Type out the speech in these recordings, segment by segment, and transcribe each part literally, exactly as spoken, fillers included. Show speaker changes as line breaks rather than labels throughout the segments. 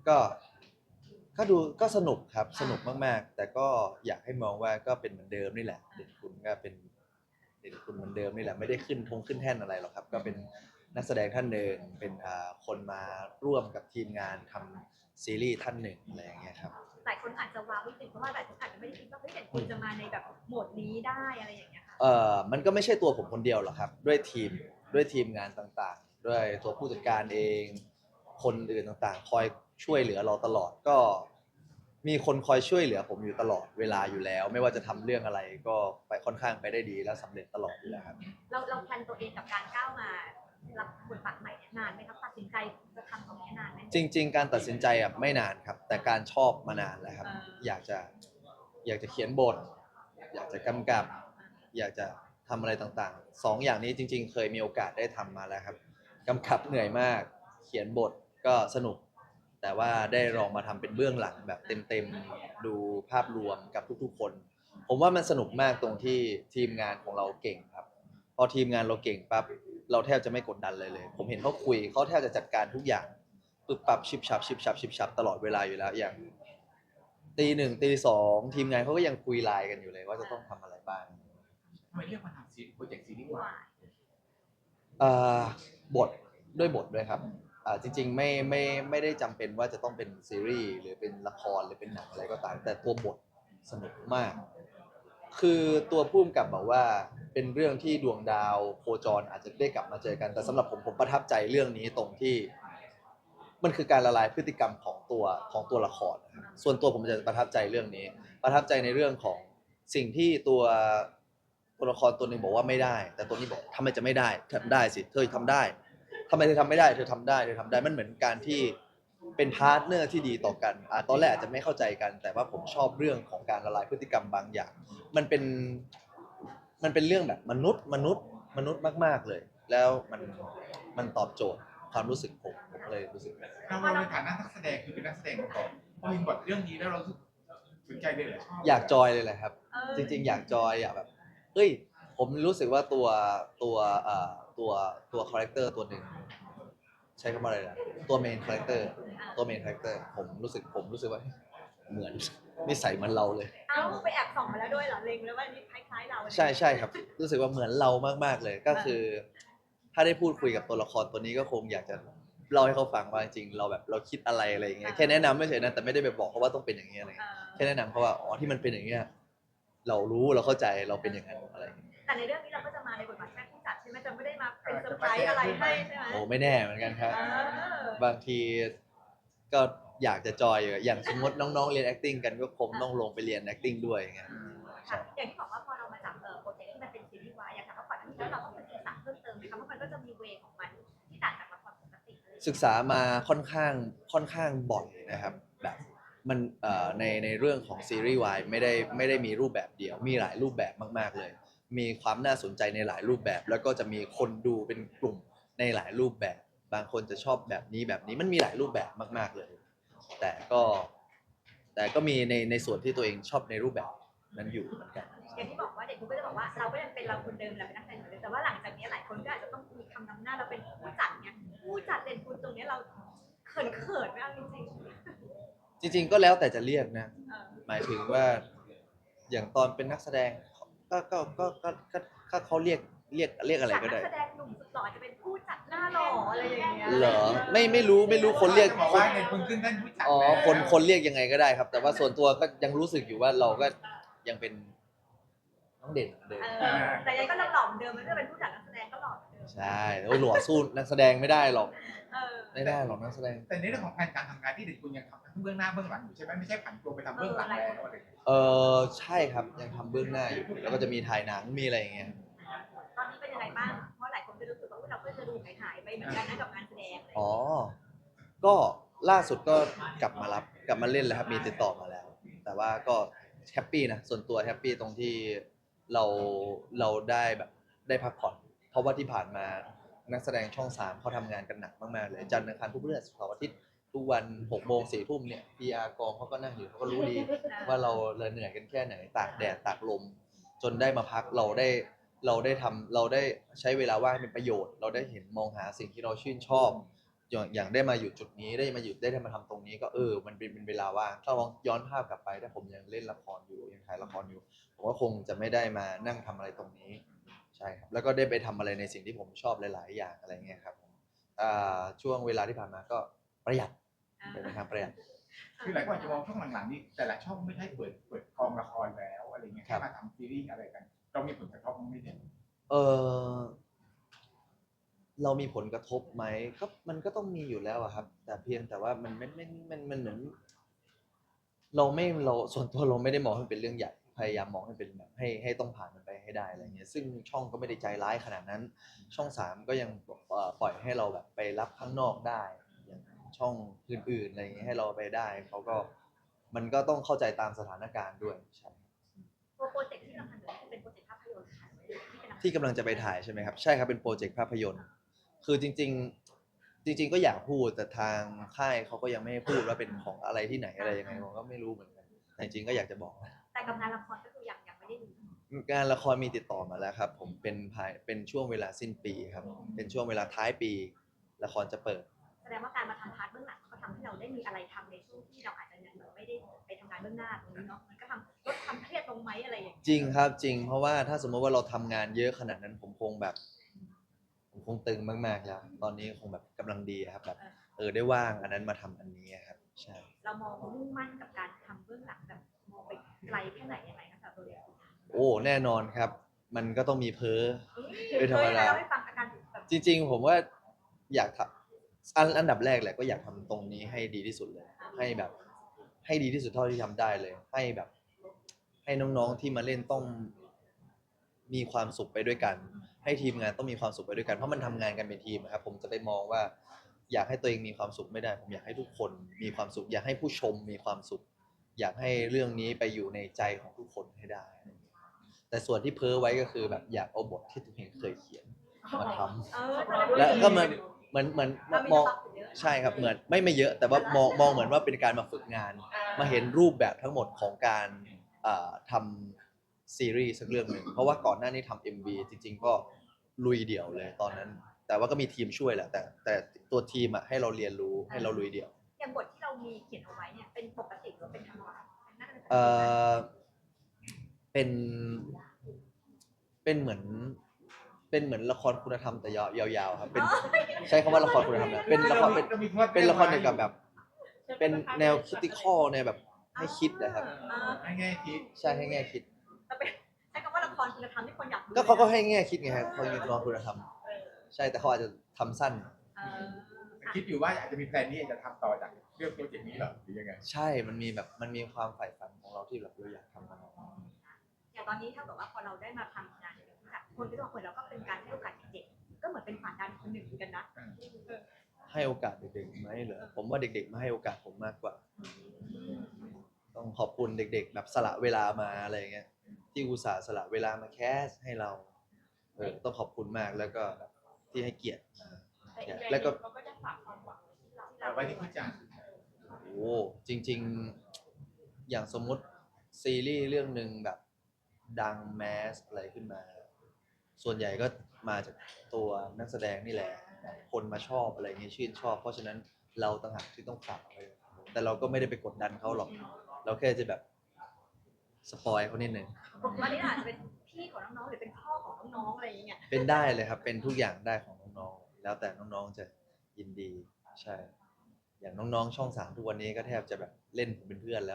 ก็ก็ดูก็สนุกครับสนุกมากๆแต่ก็อยากให้มองว่าก็เป็นเหมือนเดิมนี่แหละเด่นคุณก็เป็นเด่นคุณเหมือนเดิมนี่แหละไม่ได้ขึ้นทงขึ้นแท่นอะไรหรอกครับก็เป็นนักแสดงท่านหนึ่งเป็นอ่าคนมาร่วมกับทีมงานทำซีรีส์ท่านหนึ่งอะไรอย่างเงี้ยครับ
หลายคนอาจจะว้าวนิดนึงเพราะว่าหลายคนอาจจะไม่ได้คิดว่าเฮ้ยเด่นคุณจะมาในแบบโหมดนี้ได้อะไรอย่างเงี้ยค่ะ
เอ่อมันก็ไม่ใช่ตัวผมคนเดียวหรอกครับด้วยทีมด้วยทีมงานต่างๆด้วยตัวผู้จัดการเองคนอื่นต่างๆคอยช่วยเหลือเราตลอดก็มีคนคอยช่วยเหลือผมอยู่ตลอดเวลาอยู่แล้วไม่ว่าจะทำเรื่องอะไรก็ไปค่อนข้างไปได้ดีและสำเร็จตลอดอยู่แล้วครับ
เราเราแพลนตัวเองกับการก้าวมารับบทบาทใหม่เนี่ยนานไหมครับตัดสินใจจะทำตรงนี้นานไหม
จริงๆการตัดสินใจอ่ะไม่นานครับแต่การชอบมานานแล้วครับ
เออ
อยากจะอยากจะเขียนบทอยากจะกำกับอยากจะทำอะไรต่างๆสองอย่างนี้จริงๆเคยมีโอกาสได้ทำมาแล้วครับกำกับเหนื่อยมากเขียนบทก็สนุกแต่ว่าได้ลองมาทำเป็นเบื้องหลังแบบเต็มๆดูภาพรวมกับทุกๆคนผมว่ามันสนุกมากตรงที่ทีมงานของเราเก่งครับพอทีมงานเราเก่งปั๊บเราแทบจะไม่กดดันเลยเลยผมเห็นเขาคุยเขาแทบจะจัดการทุกอย่างปึ๊บปั๊บชิบชับชิบชับชิบชับตลอดเวลาอยู่แล้วอย่างตีหนึ่งตีสองทีมงานเขาก็ยังคุยไลน์กันอยู่เลยว่าจะต้องทำอะไรบ้าง
ทำไมเลือกมาทำซีโปรเจกต์ซีรีส์วาย
อ่าบทด้วยบทด้วยครับอ่าจริงๆไม่ไม่ไม่ได้จำเป็นว่าจะต้องเป็นซีรีส์หรือเป็นละครหรือเป็นหนังอะไรก็ตามแต่ตัวบทสนุกมากคือตัวผู้กำกับบอกว่าเป็นเรื่องที่ดวงดาวโคจรอาจจะได้กลับมาเจอกันแต่สำหรับผมผมประทับใจเรื่องนี้ตรงที่มันคือการละลายพฤติกรรมของตัวของตัวละครนะครับส่วนตัวผมจะประทับใจเรื่องนี้ประทับใจในเรื่องของสิ่งที่ตัวตัวละครตัวหนึ่งบอกว่าไม่ได้แต่ตัวนี้บอกทำไมจะไม่ได้ทำได้สิเธอทำได้ทำไมเธอทำไม่ได้เธอทำได้เธอทำได้มันเหมือนการที่เป็นพาร์ทเนอร์ที่ดีต่อกันอ่ะตอนแรกอาจจะไม่เข้าใจกัน แต่ว่าผมชอบเรื่องของการละลายพฤติกรรมบางอย่างมันเป็นมันเป็นเรื่องแบบมนุษย์มนุษย์มนุษย์มากๆเลย แล้วมันมันตอบโจทย์ความรู้สึกผมผมเลยรู้สึก
เราเราในฐานะนักแสดงคือเป็นนักแสดงมาก่อนพอเห็นบทเรื่องนี้แล้วเราสนใจเลยเหรอชอบ
อยากจอยเลยแหละครับ
เออ
จริงๆอยากจอยอยากแบบเฮ้ยผมรู้สึกว่าตัวตัวเอ่อตัวตัวคาแรคเตอร์ตัวหนึ่งใช้คำว่าอะไรนะตัวเมนคาแรคเตอร์ตัวเมนคาแรคเตอร์ผมรู้สึกผมรู้สึกว่าเหมือนนิสัยเหมือนเราเลย
เอาไปแอบส่องมาแล้วด้วยเหรอเล็งแล้วว่านี่คล้ายๆเรา
ใช่ใช่ครับรู้สึกว่าเหมือนเรามากๆเลยก็คือถ้าได้พูดคุยกับตัวละครตัวนี้ก็คงอยากจะเล่าให้เขาฟังว่าจริงๆเราแบบเราคิดอะไรอะไรอย่างเงี้ยแค่แนะนำไม่เฉยนะแต่ไม่ได้ไปบอกเขาว่าต้องเป็นอย่างเงี้ยอะไร
เอ
แค่
อ
แนะนำเขาว่าอ๋อที่มันเป็นอย่างเงี้ยเรารู้เราเข้าใจเราเป็นอย่างนั้นอะไรอย่างเงี้ย
แต่ในเรื่องนี้เราก็จะมาในบทบาทแค่ผู้จัดใช่ไหมจะไม่ได้มาเป็นเซอร์ไพรส์อะไรให้ใช่ไหม
โอ้ไม่แน่เหมือนกันครับ
เออบ
างทีก็อยากจะจอยอยู่อย่างสมมติน้องๆเรียน acting กันก็คงต้องลงไปเรียน acting ด้วยอย่างเงี้ย
ค่ะ
ใช่
อย่างที่บอกว่าพอเรามาจับเอ่อโปรเจกต์ที่มันเป็นซีรีส์วายอยากถามว่าก่อนหน้านี้แล้วเราต้องไปศึกษาเพิ่มเติมไหมคะเพราะมันก็จะมีเวของมันที่ต่างจากละครปกติเลย
ศึกษามาค่อนข้างค่อนข้างบ่อยนะครับแบบมันเอ่อในในเรื่องของซีรีส์วายไม่ได้ไม่ได้มีรูปแบบเดียวมีหลายรูปแบบมากๆเลยมีความน่าสนใจในหลายรูปแบบแล้วก็จะมีคนดูเป็นกลุ่มในหลายรูปแบบบางคนจะชอบแบบนี้แบบนี้มันมีหลายรูปแบบมากๆเลยแต่ก็แต่ก็มีในในส่วนที่ตัวเองชอบในรูปแบบนั้นอยู่เหมือนกัน
อย่างที่บอกว่าเด็กคุณก็จะบอกว่าเราก็ยังเป็นเราคนเดิมเราเป็นนักแสดงเหมือนเดิมแต่ว่าหลังจากนี้หลายคนก็อาจจะต้องมีคำนำหน้าเราเป็นผู้จัดเนี่ยผู้จัดเด่นคุณตรงนี้เราเขินเขินไหมเอาจริง
จริงๆก็แล้วแต่จะเรียกนะ
ๆเออ
หมายถึงว่าอย่างตอนเป็นนักแสดงก็ก็ก็ก็ก็ก็เขาเรียกเรียกเรียกอะไร
จาก
ก็ได้
นักแสดงหนุ่มสุดหล่อจะเป็นผู้จัดหน้าหล่ออะไรอย่างเงี้ย
เหรอไม่ไม่รู้ไม่รู้คนเรียก
จะบอก
คน
ว่าในคนขึ้นท่านผู้จัด
อ๋อ
แล้ว
คนคนเรียกยังไงก็ได้ครับแต่ว่าส่วนตัวก็ยังรู้สึกอยู่ว่าเราก็ยังเป็นน้องเด่นเหมือนเดิม
เออแต่ยังก็ยังหล่อเหมือนเดิมมันก็เป็นผู้จัดนักแสดงก็หล่อเหมือนเดิม
ใช่โอ้ยหล่อสู้นักแสดงไม่ได้หรอก
เออ
ไม่ได้หรอกนักแสดง
แต่ในเรื่องของแผนการทำงานที่เด็กคุณยังทำทั้งเบื้องหน้าเบื้องหลังอยู่ใช่ไหมไม่ใช่ผันตัวไปทำเบื้องหลังแล้วอะไรอย่างเงี้ย
เออใช่ครับยังทำเบื้องหน้าอยู่แล้วก็จะมีถ่ายหนังมีอะไรอย่างเงี้ย
ตอนนี้เป็นยังไงบ้างเพราะหลายคนก็รู้สึกว่าเราก็จะดูหายหายไปเหมือนกันนะกับงานแสดงอะไรอย่าง
อ๋อ
เงี้ย
ก็ล่าสุดก็กลับมารับกลับมาเล่นแล้วครับมีติดต่อมาแล้ว แต่ว่าก็แฮปปี้นะส่วนตัวแฮปปี้ตรงที่เราเราได้แบบได้พักผ่อนเพราะว่าที่ผ่านมานักแสดงช่องสามเขาทำงานกันหนักมากๆเลยจันทร์อังคารพุธพฤหัสเสาร์อาทิตย์ทุกวันหกโมงสี่ทุ่มเนี่ย พี อาร์ กองเขาก็นั่งอยู่เขาก็รู้ดีว่าเราเราเหนื่อยกันแค่ไหนตากแดดตากลมจนได้มาพักเราได้เราได้ทำเราได้ใช้เวลาว่างให้เป็นประโยชน์เราได้เห็นมองหาสิ่งที่เราชื่นชอบอย่างอย่างได้มาอยู่จุดนี้ได้มาอยู่ได้มาทำตรงนี้ก็เออมันเป็นเป็นเวลาว่างถ้าลองย้อนภาพกลับไปถ้าผมยังเล่นละครอยู่ยังถ่ายละครอยู่ผมก็คงจะไม่ได้มานั่งทำอะไรตรงนี้ใช่ครับแล้วก็ได้ไปทำอะไรในสิ่งที่ผมชอบหลาย ๆ อย่างอะไรเงี้ยครับอ่าช่วงเวลาที่ผ่านมาก็ประหยัดเป็นทางประหยัด
คือหลายคนจะมองช่วงหลังๆนี้แต่ละช่องไม่ใช่เปิดเปิดกองละครแล้วอะไรเงี้ย
ครั
แค่
บ
มาทำซีรีส์อะไรกัน เรามีผลกระทบมั้ยเนี่ย
เออเรามีผลกระทบไหมก็มันก็ต้องมีอยู่แล้วอะครับ แต่เพียงแต่ว่ามันไม่ไม่มันมันเหมือนเราไม่เราส่วนตัวเราไม่ได้มองให้มันเป็นเรื่องใหญ่พยายามมองให้เป็นแบบให้ให้ต้องผ่านมันไปให้ได้อะไรเงี้ยซึ่งช่องก็ไม่ได้ใจร้ายขนาดนั้น ช่องสามก็ยังเอ่อปล่อยให้เราแบบไปรับข้างนอกได้อย่างช่องอื่นๆอะไรเงี้ยให้เราไปได้เขาก็มันก็ต้องเข้าใจตามสถานการณ์ด้วยใช่
โปรเจกต์ที่เราทำอยู่คือเป็นโปรเจกต์ภาพยนตร์ค่ะที่เป็น
ที่กำลังจะไปถ่ายใช่ไหมครับใช่ครับเป็นโปรเจกต์ภาพยนตร์คือจริงๆจริง ๆ ก็อยากพูดแต่ทางค่ายเขาก็ยังไม่ให้พูดว่าเป็นของอะไรที่ไหนอะไรยังไงผมก็ไม่รู้เหมือนกันแต่จริงๆก็อยากจะบอกนะ
แต่กับงานละครก็คือยังยังไม่ได้มี
งานละครมีติดต่อมาแล้วครับผมเป็นภายเป็นช่วงเวลาสิ้นปีครับเป็นช่วงเวลาท้ายปีละครจะเปิด
แสดงว่าการมาทำพาร์ทเบื้องหลังก็ทำให้เราได้มีอะไรทำในช่วงที่เราอาจจะยังไม่ได้ไปทำงานเบื้องหน้าตรงนี้เนาะมันก็ทำลดความเครียดลงไหมอะไรอย่างเงี้ย
จริงครับจริงเพราะว่าถ้าสมมติว่าเราทำงานเยอะขนาดนั้นผมคงแบบผมคงตึงมากๆแล้วตอนนี้คงแบบกำลังดีครับแบบเออได้ว่างอันนั้นมาทำอันนี้ครับใช่
เรามองมุ่งมั่นกับการทำเบื้องหลังแบบมองไปไกลแค่ไหนยังไงคะสำหรับตัวเอง
โอ้แน่นอนครับ มันก็ต้องมีเพ้อ เป็นธรรมดา
เคยเล่าให้ฟังอาการแบบ
จริงๆ ผมว่าอยากทำอันอันดับแรกแหละก็อยากทำตรงนี้ให้ดีที่สุดเลย ให้แบบ ให้ดีที่สุดเท่าที่ทำได้เลย ให้แบบ ให้น้องๆที่มาเล่นต้องมีความสุขไปด้วยกัน ให้ทีมงานต้องมีความสุขไปด้วยกันเพราะมันทำงานกันเป็นทีมอะครับผมจะไปมองว่า อยากให้ตัวเองมีความสุขไม่ได้ ผมอยากให้ทุกคนมีความสุข อยากให้ผู้ชมมีความสุข อยากให้เรื่องนี้ไปอยู่ในใจของทุกคนให้ได้ แต่ส่วนที่เพ้อไว้ก็คือแบบอยากเอาบทที่ตัวเองเคยเขียนมาทำ
เออ
แล้วก็เหมือนเหมือนเหมือน
เรามี
มอง
สต็อกอยู่เยอะ
ใช่ครับเหมือนไม่ไม่เยอะ แต่ว่ามองมองเหมือนว่าเป็นการมาฝึกงาน มาเห็นรูปแบบทั้งหมดของการเอ่อทำซีรีส์สักเรื่องหนึ่งเพราะว่าก่อนหน้านี้ทำ เอ็ม วี จริง ๆ ก็ลุยเดี่ยวเลยตอนนั้น แต่ว่าก็มีทีมช่วยแหละแต่แต่ตัวทีมอ่ะให้เราเรียนรู้ให้เราลุยเดี่ยว
อย่างบทที่เรามีเขียนเอาไว้เนี่ยเป็นปกติหรือเป็นธรรมดาเป็นน่าจะเป็นปกติ
เอ่อเป็นเป็นเหมือนเป็นเหมือนละครคุณธรรมแต่ยาวๆครับเป็นใช้คำว่าละครคุณธรรมนะเป็นละครเป็น เป็นละครเกี่ยวกับแบบ เป็นแนวคิดข้อในแบบให้คิดนะครับ
อ่า
ให้แง่คิด
ใช่ให้แง่คิด
แต่เป็นใช้คำว่าละครคุณธรรมที่คนอยากดู
ก็เขาก็ให้แง่คิดไงครับเขาเป็นละครคุณธรรมใช่แต่เขาอาจจะทำสั้น
เออ
คิดอยู่ว่าอาจจะมีแพลนนี้จะทำต่อจากเรื่องโปรเจกต์นี้เหรอหรือยังไง
ใช่ มันมีแบบมันมีความใฝ่ฝันของเราที่แบบเราอยากทำมัน
อย่างตอนนี้เท่ากับว่าพอเราได้มาทำงานในแบบนี้คนก็จะบอกเหมือนเราก็เป็นการให้โอกาสเด็กๆก็เหมือนเป็นผ่านดันคนหนึ่งเหมือนกันนะ
ให้โอกาสเด็กๆไหมเหรอผมว่าเด็กๆมาให้โอกาสผมมากกว่า ต้องขอบคุณเด็กๆ แบบสละเวลามาอะไรอย่างเงี้ยที่อุตส่าห์สละเวลามาแคสให้เราเออต้องขอบคุณมากแล้วก็แบบที่ให้เกียรติแล้วก็
เราก็จะฝากความหวังที่เรา
เอาไว้ที่ผู้จัด
โอ้จริงๆ อย่างสมมุติซีรีส์เรื่องหนึ่งแบบดังแมสอะไรขึ้นมา ส่วนใหญ่ก็มาจากตัวนักแสดงนี่แหละ คนมาชอบอะไรเงี้ยชื่นชอบ เพราะฉะนั้นเราต่างหากที่ต้องฝากไปแต่เราก็ไม่ได้ไปกดดันเขาหรอก เราแค่จะแบบสปอยเขานิดนึง
วันนี้อาจจะเป็นพี่ของน้องๆหรือเป็นพ่อของน้องๆอะไรอย่างเงี้ย
เป็นได้เลยครับ เป็นทุกอย่างได้ของน้องๆ แล้วแต่น้องๆ จะยินดี ใช่ อย่างน้องๆ ช่องสามทุกวันนี้ก็แทบจะแบบเล่นผมเป็นเพื่อนแล้ว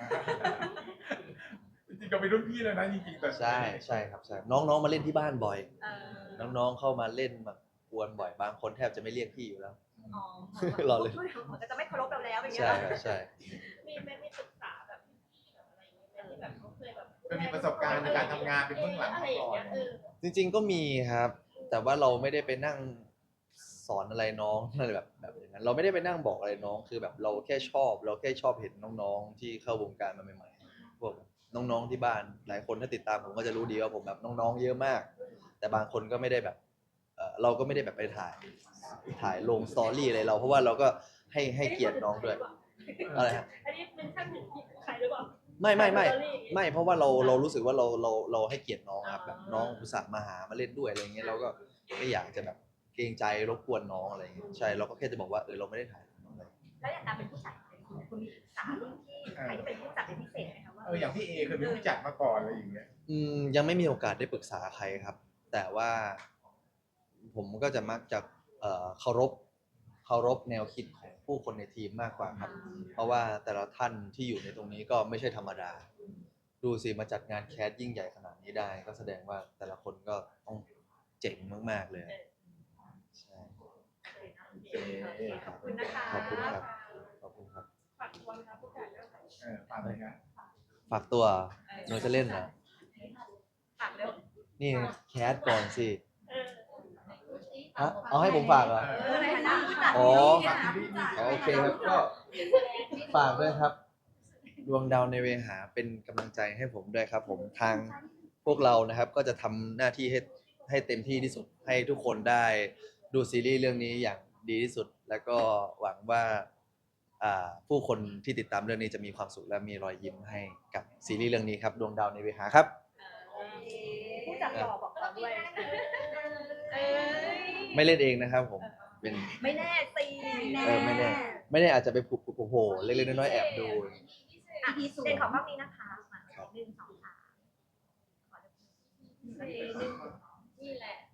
จริงๆก็เป็นรุ่นพี่แล้วนะจริงๆแต่
ใช่ใช่ครับใช่ น้องๆ มาเล่นที่บ้านบ่อย
เออ
น้องๆ เข้ามาเล่นมากวนบ่อย บางคนแทบจะไม่เรียกพี่อยู่แล้ว
อ๋อ
รอเลย
เหมือนจะไม่เคารพเราแล้วอย่างเงี้ย
ใช่ครับใช่
มีไหมมีศึกษาแบบแบบอะไรอย่างเงี้ยที่แบบเขาเคยแบบ
ก็มีประสบการณ์ในการทำงานเป็นเบื้องหลัง
อะไร
มา
อย่าง
ก่อ
เงี้
น
ยเออ
จริงๆ ก็มีครับ แต่ว่าเราไม่ได้ไปนั่งสอนอะไรน้องอะไรแบบแบบอย่างนั้น เราไม่ได้ไปนั่งบอกอะไรน้อง คือแบบเราแค่ชอบ เราแค่ชอบเห็นน้องๆ ที่เข้าวงการมาใหม่ๆ พวกน้องๆ ที่บ้าน หลายคนถ้าติดตามผมก็จะรู้ดีว่าผมแบบน้องๆ เยอะมาก แต่บางคนก็ไม่ได้แบบเอ่อเราก็ไม่ได้แบบไปถ่าย ถ่ายลงสตอรี่อะไรเรา เพราะว่าเราก็ให้ให้เกียรติน้องด้วย อะไรฮะ
อันนี้เป็นช่างถึงใครหรือเปล่า
ไม่ไม่ไม่ไม่เพราะว่าเราเรารู้สึกว่าเราเราเราให้เกียรติน้องครับแบบน้องอุตส่าห์มาหามาเล่นด้วยอะไรเงี้ยเราก็ไม่อยากจะแบบเกรงใจรบกวนน้องอะไรอย่างเงี้ยใช่เราก็แค่จะบอกว่าเออเราไม่ได้ถ่ายอะไร
แล้วอย่างการเป็นผู้จัดคุณคุณมีศึกษารุ่นพี่ใครที่เป็นผู้จัดเป็นพิเศษไหมคะว่า
เอออย่างพี่เอเคยเป็นผู้จัดมาก่อนอะไรอย่างเงี้ย
อืมยังไม่มีโอกาสได้ปรึกษาใครครับ แต่ว่าผมก็จะมักจะเอ่อเคารพเคารพแนวคิดของผู้คนในทีมมากกว่าครับ เพราะว่าแต่ละท่านที่อยู่ในตรงนี้ก็ไม่ใช่ธรรมดา ดูสิมาจัดงานแคสยิ่งใหญ่ขนาดนี้ได้ ก็แสดงว่าแต่ละคนก็ต้องเจ๋งมากๆเลยใช่
โอเคขอบคุณนะคะ
ขอบคุณครับขอบคุณครับ
ฝากตัวนะคะผู้จัดเรื่องไหน
เออฟังเลยนะ
ฝากตัวหนูจะเล่นเหรอ
ฝากเร็ว
นี่แคสก่อนสิ
เออ
ฮะเอาให้ผมฝากเหรอ
เออในฐานะผู้จัด
อ๋อ
ในฐานะผู้จัด
อ๋อโอเคครับก็ฝากด้วยครับ ดวงดาวในเวหาเป็นกำลังใจให้ผมด้วยครับ ผมทางพวกเรานะครับ ก็จะทำหน้าที่ให้ให้เต็มที่ที่สุดให้ทุกคนได้ดูซีรีส์เรื่องนี้อย่างดีที่สุด แล้วก็หวังว่าอ่าผู้คนที่ติดตามเรื่องนี้จะมีความสุขและมีรอยยิ้มให้กับซีรีส์เรื่องนี้ครับ ดวงดาวในเวหาครับ
ผู้จัดหล่อบอกเราด้วยเอ้ย
ไม่เล่นเองนะครับผมเป็น
ไม่แน่สิ
เออไม่แน่ไม่แน่อาจจะไปผูกโผล่เล็กๆน้อยๆแอบดู
อ่ะเด่นขอกล้องนี้นะคะมาหนึ่งสองสามขอดูหนึ่งนี่แหละ